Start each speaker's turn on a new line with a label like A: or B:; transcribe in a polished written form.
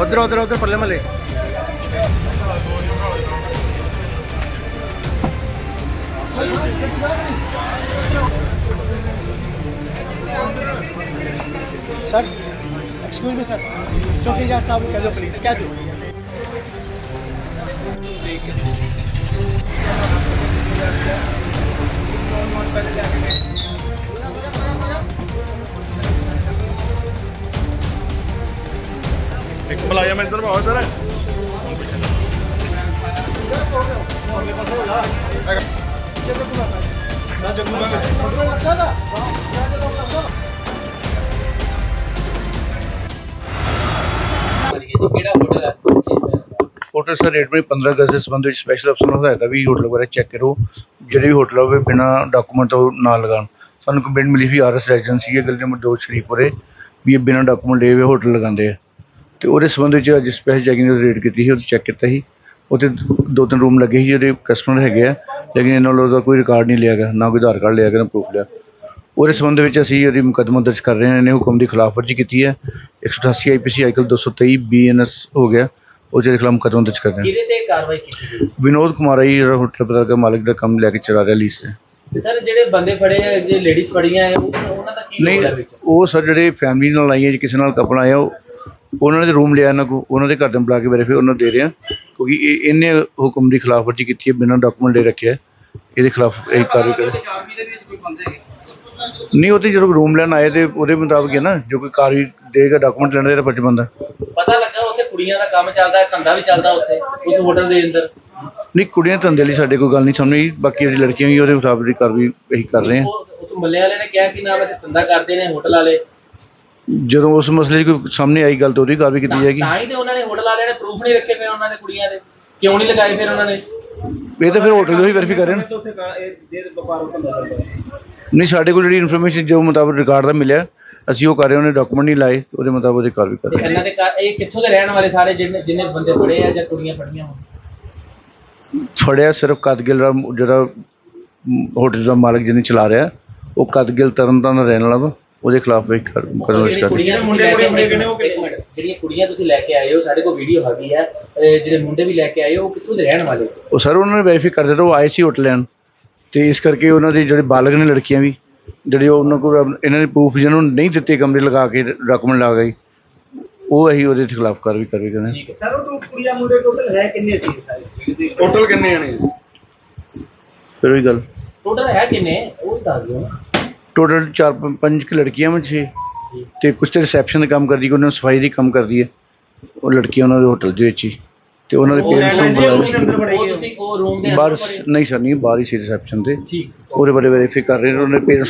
A: उधर उधर उधर परले महले सर एक्सक्यूज मी सर चौकीदार साहब कह दो प्लीज कह दो
B: एक मुलाजम इधर भाओ इधर
C: होटल सर रेट में 15 अगस्त के संबंध में स्पैशल अफसर ਨੂੰ ਹਦਾਇਤ ਵੀ ਹੋਟਲ ਵਗੈਰਾ ਚੈੱਕ ਕਰੋ ਜਿਹੜੇ ਵੀ ਹੋਟਲ ਹੋਵੇ ਬਿਨਾ ਡਾਕੂਮੈਂਟ ਤੋਂ ਨਾ ਲਗਾਉਣ ਸਾਨੂੰ ਕੰਪਲੇਂਟ ਮਿਲੀ ਸੀ ਆਰਐਸ ਰੈਜੀਡੈਂਸੀ ਹੈ ਗਲੀ ਨੰਬਰ 2 ਸ਼ਰੀਫਪੁਰੇ ਵੀ ਇਹ ਬਿਨਾ ਡਾਕੂਮੈਂਟ ਲਏ ਹੋਏ ਹੋਟਲ ਲਗਾਉਂਦੇ ਆ ਤੇ ਉਹਦੇ ਸੰਬੰਧ ਵਿੱਚ ਅੱਜ ਸਪੈਸ਼ਲ ਚੈਕਿੰਗ ਦੀ ਰੇਡ ਕੀਤੀ ਸੀ ਉਹ ਚੈੱਕ ਕੀਤਾ ਸੀ ਉੱਥੇ 2-3 ਰੂਮ ਲੱਗੇ ਸੀ ਜਿਹੜੇ ਕਸਟਮਰ ਹੈਗੇ ਆ ਲੇਕਿਨ ਇਹਨਾਂ ਵੱਲੋਂ ਉਹਦਾ ਕੋਈ ਰਿਕਾਰਡ ਨਹੀਂ ਲਿਆ ਗਿਆ ਨਾ ਕੋਈ ਆਧਾਰ ਕਾਰਡ ਲਿਆ ਗਿਆ ਨਾ ਪ੍ਰੂਫ ਲਿਆ ਉਹਦੇ ਸੰਬੰਧ ਵਿੱਚ ਅਸੀਂ ਉਹਦੀ ਮੁਕੱਦਮਾ ਦਰਜ ਕਰ ਰਹੇ ਹਾਂ ਇਹਨੇ ਹੁਕਮ ਦੀ ਖਿਲਾਫਵਰਜੀ ਕੀਤੀ ਹੈ 188 ਆਈਪੀਸੀ ਆਈਕਲ 223 ਬੀਐਨਐਸ ਹੋ ਗਿਆ ਉਹਦੇ ਖਿਲਾਫ ਮੁਕੱਦਮਾ ਦਰਜ ਕਰ ਰਹੇ ਹਾਂ
D: ਕਿਹਦੇ ਤੇ ਕਾਰਵਾਈ ਕੀਤੀ
C: ਵਿਨੋਦ ਕੁਮਾਰ ਹੈ ਜਿਹੜਾ ਹੋਟਲ ਪਤਾ ਦਾ ਮਾਲਕ ਦਾ ਕੰਮ ਲੈ ਕੇ ਚਲਾ ਰਿਹਾ ਲੀਜ਼ ਤੇ
D: ਸਰ ਜਿਹੜੇ ਬੰਦੇ ਫੜੇ ਆ ਜੇ ਲੇਡੀਜ਼ ਫੜੀਆਂ ਆ ਉਹਨਾਂ ਦਾ ਕੀ
C: ਨਹੀਂ
D: ਰੋਲ ਹੈ ਵਿੱਚ
C: ਉਹ ਸਰ ਜਿਹੜੇ ਫੈਮਿਲੀ ਨਾਲ ਆਈਆਂ ਜੀ ਕਿਸੇ ਨਾਲ ਕਪਲ ਆਇਆ ਉਹਨਾਂ ਦੇ ਰੂਮ ਲਿਆ ਇਹਨਾਂ ਕੋ ਉਹਨਾਂ ਦੇ ਘਰ ਦੇ ਬੁਲਾ ਕੇ ਵੈਰੀਫਾਈ ਉਹਨਾਂ ਦੇ ਰਿਹਾ ਕਿਉਂਕਿ ਇਹਨੇ ਹੁਕਮ ਦੀ ਖਿਲਾਫਵਰਜੀ ਕੀਤੀ ਹੈ ਬਿਨਾਂ ਡਾਕੂਮੈਂਟ ਲੈ ਰੱਖਿਆ ਇਹਦੇ ਖਿਲਾਫ ਇਹ ਕਾਰਵਾਈ ਕਰੋ ਨਹੀਂ ਉਹ ਤੇ ਜਦੋਂ ਰੂਮ ਲੈਣ ਆਏ ਤੇ ਉਹਦੇ ਮੁਤਾਬਕ ਹੈ ਨਾ ਜੋ ਕੋਈ ਕਾਰਵਾਈ ਦੇਗਾ ਡਾਕੂਮੈਂਟ ਲੈਣ ਦਾ ਇਹਦਾ ਫਰਜ਼ ਬਣਦਾ
D: ਪਤਾ ਲੱਗਾ ਉੱਥੇ ਕੁੜੀਆਂ ਦਾ ਕੰਮ ਚੱਲਦਾ ਹੈ ਧੰਦਾ ਵੀ ਚੱਲਦਾ ਉੱਥੇ ਉਸ ਹੋਟਲ ਦੇ ਅੰਦਰ
C: ਨਹੀਂ ਕੁੜੀਆਂ ਧੰਦੇ ਲਈ ਸਾਡੇ ਕੋਈ ਗੱਲ ਨਹੀਂ ਸਾਹਮਣੇ ਬਾਕੀ ਜਿਹੜੀ ਲੜਕੀਆਂ ਵੀ ਉਹਦੇ ਮੁਤਾਬਕ ਦੀ ਕਾਰਵਾਈ ਇਹੀ ਕਰ ਰਹੇ ਹਾਂ
D: ਉਹ ਮੱਲੇ ਵਾਲੇ ਨੇ ਕਿਹਾ ਕਿ ਨਾਮ ਹੈ ਧੰਦਾ ਕਰਦੇ ਨੇ ਹੋਟਲ ਵਾਲੇ
C: ਜਦੋਂ ਉਸ ਮਸਲੇ 'ਚ ਕੋਈ ਸਾਹਮਣੇ ਆਈ ਗੱਲ ਤਾਂ ਉਹਦੀ ਕਾਰਵਾਈ ਕੀਤੀ ਜਾਏਗੀ
D: ਤਾਂ ਹੀ ਤੇ ਉਹਨਾਂ ਨੇ ਹੋਟਲ ਵਾਲਿਆਂ ਨੇ ਪ੍ਰੂਫ ਨਹੀਂ ਰੱਖੇ ਫਿਰ ਉਹਨਾਂ ਦੇ ਕੁੜੀਆਂ ਦੇ ਕਿਉਂ ਨਹੀਂ ਲਗਾਏ ਫਿਰ ਉਹਨਾਂ ਨੇ
C: ਇਹ ਤਾਂ ਫਿਰ ਹੋਟਲ ਦੇ ਹੀ ਵੈਰੀਫਾਈ ਕਰ ਰਹੇ ਨੇ ਨਹੀਂ ਸਾਡੇ ਕੋਲ ਜਿਹੜੀ ਇਨਫੋਰਮੇਸ਼ਨ ਜੋ ਮੁਤਾਬਕ ਰਿਕਾਰਡ ਦਾ ਮਿਲਿਆ ਅਸੀਂ ਉਹ ਕਰ ਰਹੇ ਉਹਨੇ ਡਾਕੂਮੈਂਟ ਨਹੀਂ ਲਾਏ ਉਹਦੇ ਮੁਤਾਬਕ ਉਹਦੀ ਕਾਰਵਾਈ ਕਰ ਰਹੇ
D: ਇਹਨਾਂ ਦੇ ਇਹ ਕਿੱਥੋਂ ਦੇ ਰਹਿਣ ਵਾਲੇ ਸਾਰੇ ਜਿੰਨੇ ਬੰਦੇ ਫੜੇ ਆ ਜਾਂ ਕੁੜੀਆਂ ਫੜੀਆਂ ਹੋਣ
C: ਫੜਿਆ ਸਿਰਫ ਕਦਗਿਲ ਦਾ ਜਿਹੜਾ ਹੋਟਲ ਦਾ ਮਾਲਕ ਜਿਹਨੇ ਚਲਾ ਰਿਹਾ ਉਹ ਕਦਗਿਲ ਤਰਨਤਾਰਨ ਦਾ ਰਹਿਣ ਵਾਲਾ ਵਾ ਉਹਦੇ ਖਿਲਾਫ ਇੱਕ ਮੁਕੱਦਮਾ ਦਰਜ ਕਰ ਰਹੇ
D: ਜਿਹੜੀਆਂ ਕੁੜੀਆਂ ਤੁਸੀਂ ਲੈ ਕੇ ਆਏ ਹੋ ਸਾਡੇ ਕੋਲ ਵੀਡੀਓ ਹੈਗੀ ਹੈ ਜਿਹੜੇ ਮੁੰਡੇ ਵੀ ਲੈ ਕੇ ਆਏ ਹੋ ਉਹ ਕਿੱਥੋਂ ਦੇ ਰਹਿਣ ਵਾਲੇ
C: ਉਹ ਸਰ ਉਹਨਾਂ ਨੇ ਵੈਰੀਫਾਈ ਕਰ ਦਿੱਤਾ ਉਹ ਆਏ ਸੀ ਹੋਟਲ ਲੈਣ ਤੇ ਇਸ ਕਰਕੇ ਉਹਨਾਂ ਦੇ ਜਿਹੜੇ ਬਾਲਗ ਨੇ ਲੜਕੀਆਂ ਵੀ ਜਿਹੜੇ ਉਹਨਾਂ ਕੋਲ ਇਹਨਾਂ ਨੇ ਪ੍ਰੂਫ ਜਿਹਨਾਂ ਨੂੰ ਨਹੀਂ ਦਿੱਤੇ ਕਮਰੇ ਲਗਾ ਕੇ ਡਾਕੂਮੈਂਟ ਲਾ ਗਏ ਉਹ ਅਸੀਂ ਉਹਦੇ ਖਿਲਾਫ ਕਾਰਵਾਈ ਕਰਨਾ
D: ਠੀਕ ਹੈ
A: ਸਰ ਉਹ ਕੁੜੀਆਂ ਮੁੰਡੇ ਟੋਟਲ ਹੈ ਕਿੰਨੇ ਸੀ
B: ਟੋਟਲ ਕਿੰਨੇ ਆਣੇ
C: ਫਿਰ ਉਹੀ ਗੱਲ
D: ਟੋਟਲ ਹੈ ਕਿੰਨੇ ਉਹ ਦੱਸ ਦਿਓ ਨਾ
C: ਟੋਟਲ 4-5 ਲੜਕੀਆਂ ਵਿੱਚ ਛੇ ਤੇ ਕੁਝ ਤੇ ਰਿਸੈਪਸ਼ਨ ਦਾ ਕੰਮ ਕਰਦੀ ਉਹਨਾਂ ਨੂੰ ਸਫਾਈ ਦੀ ਕੰਮ ਕਰਦੀ ਹੈ ਉਹ ਲੜਕੀਆਂ ਉਹਨਾਂ ਦੇ ਹੋਟਲ ਦੇ ਵਿੱਚ ਹੀ ਤੇ ਉਹਨਾਂ ਦੇ ਪੇਰੈਂਟਸ ਨੂੰ ਬੁਲਾਇਆ
D: ਉਹ ਤੁਸੀਂ ਉਹ ਰੂਮ ਦੇ
C: ਬਾਹਰ ਨਹੀਂ ਸਰ ਨਹੀਂ ਬਾਹਰ ਹੀ ਸੀ ਰਿਸੈਪਸ਼ਨ ਤੇ
D: ਠੀਕ
C: ਉਹਦੇ ਬਾਰੇ ਵੈਰੀਫਾਈ ਕਰ ਰਹੇ ਨੇ ਉਹਨਾਂ ਦੇ ਪੇਰੈਂਟਸ